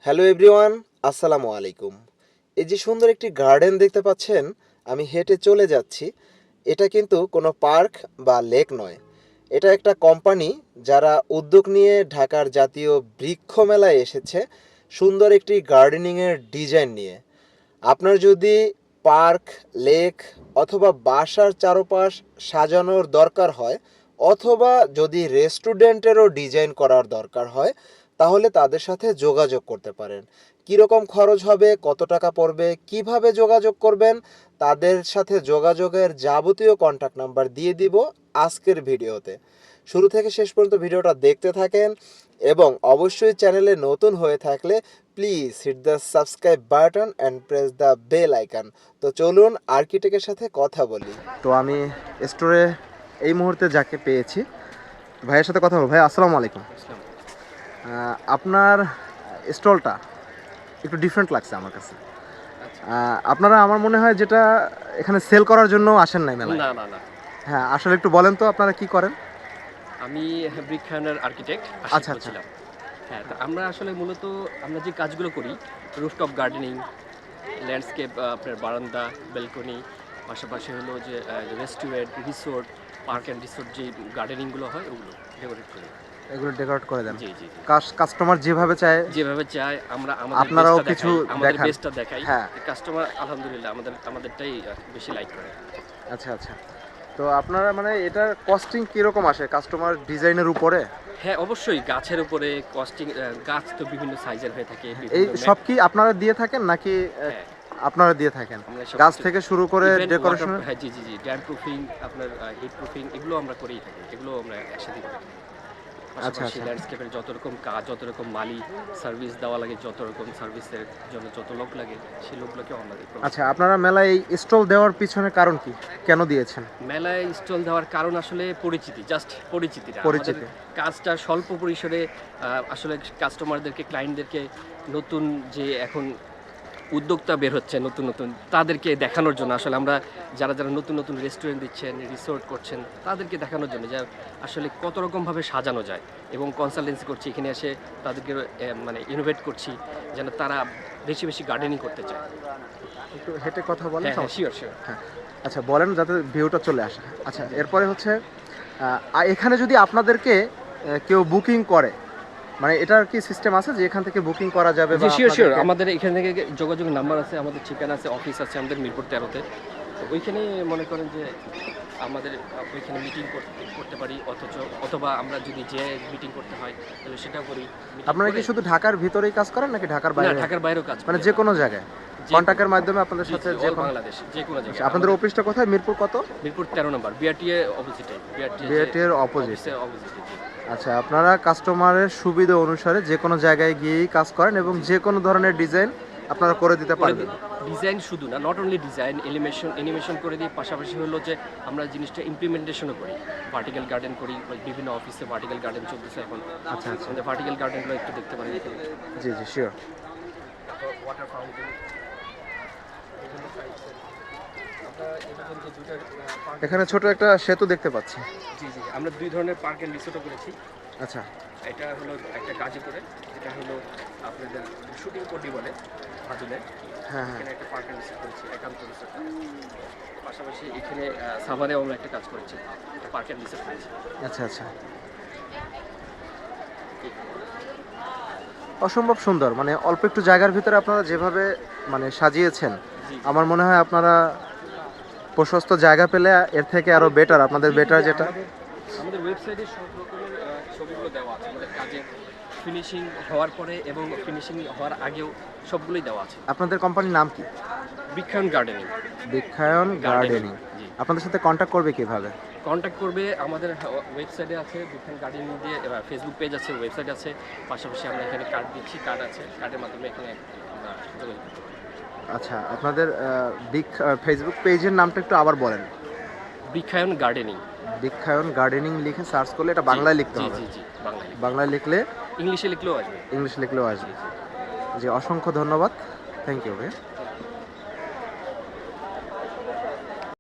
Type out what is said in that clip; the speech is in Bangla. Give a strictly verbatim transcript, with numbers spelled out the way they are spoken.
হ্যালো এভরিওয়ান, আসসালামু আলাইকুম। এই যে সুন্দর একটি গার্ডেন দেখতে পাচ্ছেন, আমি হেঁটে চলে যাচ্ছি। এটা কিন্তু কোনো পার্ক বা লেক নয়। এটা একটা কোম্পানি যারা উদ্যোগ নিয়ে ঢাকার জাতীয় বৃক্ষ মেলায় এসেছে সুন্দর একটি গার্ডেনিংয়ের ডিজাইন নিয়ে। আপনার যদি পার্ক, লেক অথবা বাসার চারপাশ সাজানোর দরকার হয়, অথবা যদি রেস্টুরেন্টেরও ডিজাইন করার দরকার হয়, তাহলে তাদের সাথে যোগাযোগ করতে পারেন। কীরকম খরচ হবে, কত টাকা পড়বে, কিভাবে যোগাযোগ করবেন, তাদের সাথে যোগাযোগের যাবতীয় কন্ট্যাক্ট নাম্বার দিয়ে দিব আজকের ভিডিওতে। শুরু থেকে শেষ পর্যন্ত ভিডিওটা দেখতে থাকেন এবং অবশ্যই চ্যানেলে নতুন হয়ে থাকলে please hit the subscribe button and press the bell icon. তো চলুন আর্কিটেক্টের সাথে কথা বলি। তো আমি স্টোরে এই মুহূর্তে যাকে পেয়েছি, ভাইয়ের সাথে কথা বলবো। ভাই আসসালামু আলাইকুম। আহ, আপনার স্টলটা একটু ডিফারেন্ট লাগছে আমার কাছে। আহ, আপনারা আমার মনে হয় যেটা এখানে সেল করার জন্য আসেন নাই মেলায়। না না না হ্যাঁ, আসলে একটু বলেন তো আপনারা কি করেন? আমি ব্রিকখানের আর্কিটেক্ট আচ্ছা, আচ্ছা। ছিলাম। হ্যাঁ, তো আমরা আসলে মূলত আমরা যে কাজগুলো করি রুফটপ গার্ডেনিং, ল্যান্ডস্কেপ, আপনার বারান্দা, ব্যালকনি, পাশাপাশি হলো যে restaurant, resort, park and resort যে গার্ডেনিংগুলো হয় ওগুলো ডেকোরেট করি। এগুলো ডেকোরেট করে দেন? জি জি জি। কাস্টমার যেভাবে চায় যেভাবে চাই আমরা আমাদের আপনারাও বেস্টটা কিছু দেখাই, আমাদের দেখান? বেস্টটা দেখাই। হ্যাঁ। কাস্টমার আলহামদুলিল্লাহ আমাদের আমাদেরটাই আহ, বেশি লাইক করে। আচ্ছা, আচ্ছা। তো আপনারা মানে এটার কস্টিং কিরকম আসে কাস্টমার ডিজাইনের উপরে? হ্যাঁ, অবশ্যই গাছের উপরে কস্টিং, গাছ তো বিভিন্ন সাইজের হয়ে থাকে। এই বিভিন্ন সব কি আপনারা দিয়ে থাকেন নাকি আহ, হ্যাঁ, আপনারা দিয়ে থাকেন? আমরা সব গাছ কিছু- থেকে শুরু করে Even ডেকোরেশন? water- হ্যাঁ, জি জি জি, ড্যাম প্রুফিং, আপনার হিট প্রুফিং, এগুলো আমরা করেই থাকি। এগুলো আমরা একসাথে করে থাকি। পাশাপাশি আচ্ছা। ল্যান্ডস্কেপের যত রকম কাজ, যত রকম মালি সার্ভিস দেওয়া লাগে, যত রকম সার্ভিসের জন্য যত লোক লাগে, সেই লোকগুলোকেও আমরা দিই। আচ্ছা, আপনারা মেলায় এই স্টল দেওয়ার পিছনে কারণ কি? কেন দিয়েছেন? মেলায় স্টল দেওয়ার কারণ আসলে পরিচিতি, জাস্ট পরিচিতিটা। পরিচিতি। আমাদের কাজটা স্বল্প পরিসরে আহ, আসলে কাস্টমারদেরকে, ক্লায়েন্টদেরকে নতুন যে এখন উদ্যোক্তা বের হচ্ছে নতুন নতুন, তাদেরকে দেখানোর জন্য আসলে আমরা যারা যারা নতুন নতুন রেস্টুরেন্ট দিচ্ছেন, রিসোর্ট করছেন, তাদেরকে দেখানোর জন্য যে আসলে কত রকমভাবে সাজানো যায়, এবং কনসালটেন্সি করছি এখানে এসে তাদেরকে এ, মানে ইনোভেট করছি যেন তারা বেশি বেশি গার্ডেনিং করতে চায়। একটু হেঁটে কথা বলেন? হ্যাঁ হ্যাঁ, শিওর শিওর। হ্যাঁ, আচ্ছা বলেন যাতে ভিউটা চলে আসে। আচ্ছা, এরপরে হচ্ছে আহ, আ- এখানে যদি আপনাদেরকে আহ, কেউ বুকিং করে, মানে এটার কি সিস্টেম আছে যে এখান থেকে বুকিং করা যাবে? জি বা শিওর শিওর, আপনাদেরকে- আমাদের এখান থেকে যোগাযোগ নাম্বার আছে, আমাদের ঠিকানা আছে, অফিস আছে আমাদের মিরপুর তেরোতে। তো ওইখানে মনে করেন যে আমাদের ওইখানে মিটিং করতে পারি, অথচ অথবা আমরা যদি যে মিটিং করতে হয় তাহলে সেটাও করি। Meeting আপনারা কি করে- শুধু ঢাকার ভিতরেই কাজ করেন নাকি ঢাকার না, বাইরে? ঢাকার বাইরেও কাজ মানে করি যে আমরা। কোনো জায়গায় যে কন্ট্যাক্টের মাধ্যমে আপনাদের জি, সাথে জি, যে all কোনো- বাংলাদেশ যে কোনো আচ্ছা, জায়গায়। আপনাদের আমাদের অফিসটা কোথায়? মিরপুর কত? মিরপুর তেরো নম্বর, বিআরটিএ অপোজিটে। বিআরটিএ বিআরটিএর অপোজিট। অপোজিটে। জি। আচ্ছা, আপনারা কাস্টমারের সুবিধা অনুসারে যে কোনো জায়গায় গিয়েই কাজ করেন এবং যে কোনো ধরনের ডিজাইন আপনারা করে দিতে পারবেন? ডিজাইন শুধু না, নট অনলি ডিজাইন, এলিমেশন এনিমেশন করে দিই, পাশাপাশি হলো যে আমরা জিনিসটা ইমপ্লিমেন্টেশনও করি। ভার্টিক্যাল গার্ডেন করি, বিভিন্ন অফিসে ভার্টিক্যাল গার্ডেন চলতেছে এখন। আচ্ছা, আচ্ছা। আমাদের ভার্টিক্যাল গার্ডেনগুলো একটু দেখতে পারেন এখানে। জি জি শিওর। ওয়াটার ফাউন্টেন, আমরা এরকম যে দুইটা পার্ক, এখানে ছোট একটা সেতু দেখতে পাচ্ছি। জি জি, আমরা দুই ধরনের পার্ক অ্যান্ড রিসোর্টও করেছি। আচ্ছা। এটা হলো একটা গাজীপুরে, এটা হলো আপনাদের শুটিং কোডি বলে ভাটুলে। হ্যাঁ হ্যাঁ। এখানে একটা পার্ক অ্যান্ড রিসোর্ট করেছি, একান্ত রিসোর্ট। পাশাপাশি এখানে সাভারেও আমরা একটা কাজ করেছি, পার্ক অ্যান্ড রিসোর্ট করেছি। আচ্ছা আচ্ছা। অসম্ভব সুন্দর, মানে অল্প একটু জায়গার ভিতরে আপনারা যেভাবে মানে সাজিয়েছেন, জি। আমার মনে হয় আপনারা প্রশস্ত জায়গা পেলে এর থেকে আরো বেটার, আপনাদের বেটার যেটা। আমাদের আমাদের ওয়েবসাইটে সব রকমের আহ, ছবিগুলো দেওয়া আছে, আমাদের কাজের ফিনিশিং হওয়ার পরে এবং ফিনিশিং হওয়ার আগেও সবগুলোই দেওয়া আছে। আপনাদের কোম্পানির নাম কি? বৃক্ষায়ন গার্ডেনিং। বৃক্ষায়ন গার্ডেনিং। জি। আপনাদের সাথে কন্ট্যাক্ট করবে কিভাবে? কন্ট্যাক্ট করবে আমাদের ওয়েবসাইটে আছে, বৃক্ষায়ন গার্ডেনিং দিয়ে, ফেসবুক পেজ আছে, ওয়েবসাইট আছে, পাশাপাশি আমরা এখানে কার্ড দিচ্ছি, কার্ড আছে, কার্ডের মাধ্যমে এখানে আমরা যোগাযোগ করতে পারি। আচ্ছা, আপনাদের বিগ ফেসবুক পেজের নামটা একটু আবার বলেন। বৃক্ষায়ন গার্ডেনিং। বৃক্ষায়ন গার্ডেনিং লিখে সার্চ করলে এটা বাংলায় লিখতে জি হবে? জি জি, বাংলায় লিখতে। বাংলায় লিখলে, ইংলিশে লিখলেও আসবে। ইংলিশ লিখলেও আসবে। জি, অসংখ্য ধন্যবাদ। থ্যাংক ইউ ভাই।